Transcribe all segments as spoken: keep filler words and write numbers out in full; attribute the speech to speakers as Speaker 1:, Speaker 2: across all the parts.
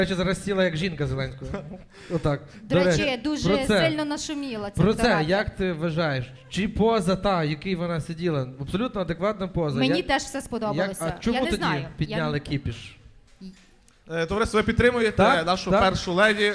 Speaker 1: речі, зараз сіла як жінка Зеленського. Отак.
Speaker 2: До речі, дуже
Speaker 1: про це,
Speaker 2: сильно нашуміла ця
Speaker 1: Про це,
Speaker 2: фотографія.
Speaker 1: як ти вважаєш? Чи поза та, який вона сиділа? Абсолютно адекватна поза.
Speaker 2: Мені
Speaker 1: як,
Speaker 2: теж все
Speaker 1: як,
Speaker 2: сподобалося.
Speaker 1: а чому
Speaker 2: Я не
Speaker 1: тоді
Speaker 2: знаю.
Speaker 1: підняли
Speaker 2: Я...
Speaker 1: кіпіш?
Speaker 3: Е, Товариство, ви підтримуєте
Speaker 1: Так,
Speaker 3: нашу
Speaker 1: так.
Speaker 3: першу леді.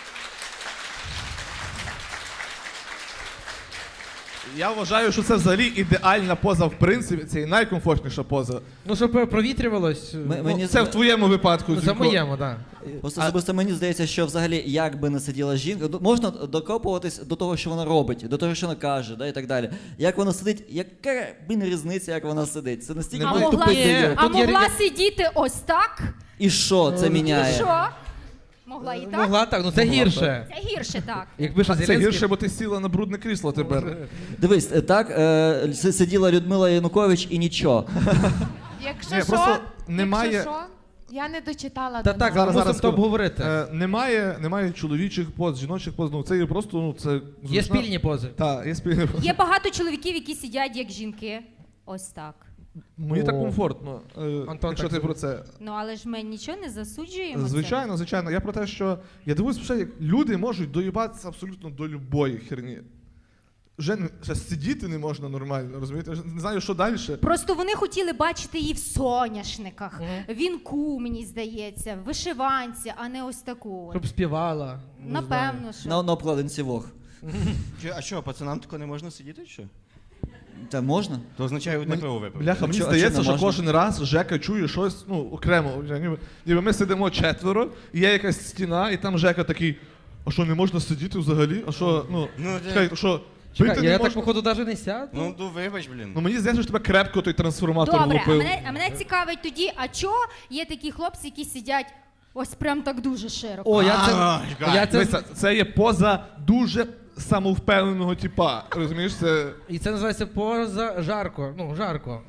Speaker 3: Я вважаю, що це взагалі ідеальна поза, в принципі, це і найкомфортніша поза.
Speaker 1: Ну, щоб провітрювалось,
Speaker 4: М-
Speaker 1: ну,
Speaker 4: мені
Speaker 3: Це в твоєму випадку.
Speaker 1: ну, за
Speaker 3: Зінько.
Speaker 1: моєму, так.
Speaker 4: Просто
Speaker 3: А-
Speaker 4: особисто мені здається, що взагалі як би не сиділа жінка, ну, можна докопуватись до того, що вона робить, до того, що вона каже, да, і так далі. Як вона сидить, яка блін різниця, як вона сидить? Це настільки
Speaker 2: А
Speaker 3: Немає.
Speaker 2: могла,
Speaker 4: тупий
Speaker 1: Ні.
Speaker 4: дебіл.
Speaker 2: а
Speaker 1: Тут є
Speaker 2: могла
Speaker 1: рі-
Speaker 2: сидіти ось так?
Speaker 4: І що це
Speaker 2: І
Speaker 4: міняє?
Speaker 2: що? Могла і так?
Speaker 1: Могла так, ну це
Speaker 3: Могла
Speaker 1: гірше.
Speaker 2: Це гірше так.
Speaker 1: Якби ж
Speaker 3: Це
Speaker 1: Зеленський-
Speaker 3: гірше, бо ти сіла на брудне крісло тепер.
Speaker 4: Дивись, е, так е, с- сиділа Людмила Янукович і нічого.
Speaker 5: Якщо
Speaker 3: Ні,
Speaker 5: що,
Speaker 3: просто немає-
Speaker 5: якщо що, я не дочитала
Speaker 1: Та
Speaker 5: до
Speaker 1: так,
Speaker 5: нас.
Speaker 1: зараз, мусимо то обговорити.
Speaker 3: Е, немає, немає чоловічих поз, жіночих поз, ну це є просто, ну це...
Speaker 1: Є спільні пози.
Speaker 3: Так, є спільні пози.
Speaker 2: Є багато чоловіків, які сидять як жінки. Ось так.
Speaker 3: Мені
Speaker 1: О.
Speaker 3: так комфортно, е,
Speaker 1: Антон,
Speaker 3: якщо
Speaker 1: так
Speaker 3: ти
Speaker 1: це-
Speaker 3: про це.
Speaker 2: Ну але ж ми нічого не засуджуємо.
Speaker 3: Звичайно, звичайно. Я про те, що я дивуюсь, що як люди можуть доїбатися абсолютно до любої херні. Вже не- ще сидіти не можна нормально, розумієте? Вже не знаю, що далі.
Speaker 2: Це. Просто вони хотіли бачити її в соняшниках,
Speaker 1: Мгм.
Speaker 2: вінку, мені здається, в вишиванці, а не ось таку. от.
Speaker 1: Щоб співала. не знаю.
Speaker 2: Напевно, що.
Speaker 4: На, на обкладинці Вог.
Speaker 6: Чи- А що, пацанам тако не можна сидіти, чи що?
Speaker 4: Та можна?
Speaker 6: То означає одне
Speaker 3: Мені-
Speaker 6: пиво випити.
Speaker 3: Бляха, мені
Speaker 4: чо- а
Speaker 3: здається,
Speaker 4: чо не
Speaker 3: що
Speaker 4: можна?
Speaker 3: кожен раз Жека чує щось ну, окремо. Вже Ніби, ніби ми сидимо четверо, і є якась стіна, і там Жека такий, а що, не можна сидіти взагалі? А що, ну,
Speaker 6: Ну, де-
Speaker 3: чекай, що,
Speaker 1: Чекай,
Speaker 3: пити
Speaker 1: я
Speaker 3: не
Speaker 1: так,
Speaker 3: можна?
Speaker 1: походу, навіть не сяду.
Speaker 6: Ну, ну вибач, блін.
Speaker 3: Ну мені здається, що тебе крепко той трансформатор
Speaker 2: Добре, а
Speaker 3: влупив.
Speaker 2: мене, а мене цікавить тоді, а чого є такі хлопці, які сидять ось прям так дуже широко?
Speaker 1: О, я це...
Speaker 6: А, чекай.
Speaker 1: я це...
Speaker 3: Дивися, це є поза дуже самовпевненого типа. Розумієш, це...
Speaker 1: І це називається поза жарко. Ну, жарко.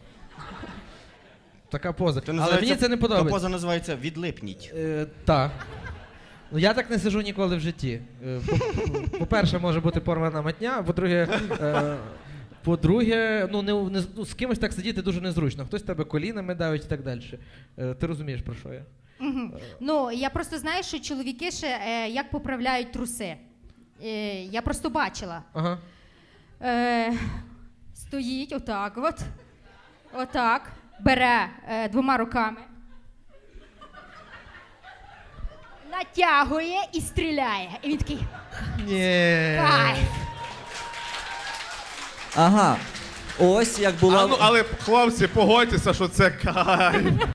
Speaker 1: Така поза.
Speaker 6: Це
Speaker 1: Але
Speaker 6: називається-
Speaker 1: мені це не
Speaker 6: Та
Speaker 1: подобається.
Speaker 6: поза називається відлипніть.
Speaker 1: Е, так. Ну я так не сижу ніколи в житті. Е, по- По-перше, може бути порвана матня, а по-друге, е, по-друге, ну, не, не, ну, з кимось так сидіти дуже незручно. Хтось тебе колінами давить і так далі. Е, ти розумієш, про що я?
Speaker 2: Мгм. Ну, я просто знаю, що чоловіки ще е, як поправляють труси. Е, я просто бачила.
Speaker 1: Ага.
Speaker 2: Е, стоїть отак от. Отак. Бере е, двома руками. Натягує і стріляє. І він такий
Speaker 1: Ні.
Speaker 2: кайф.
Speaker 4: Ага. Ось як була.
Speaker 3: А, ну, але хлопці, погодьтеся, що це кайф.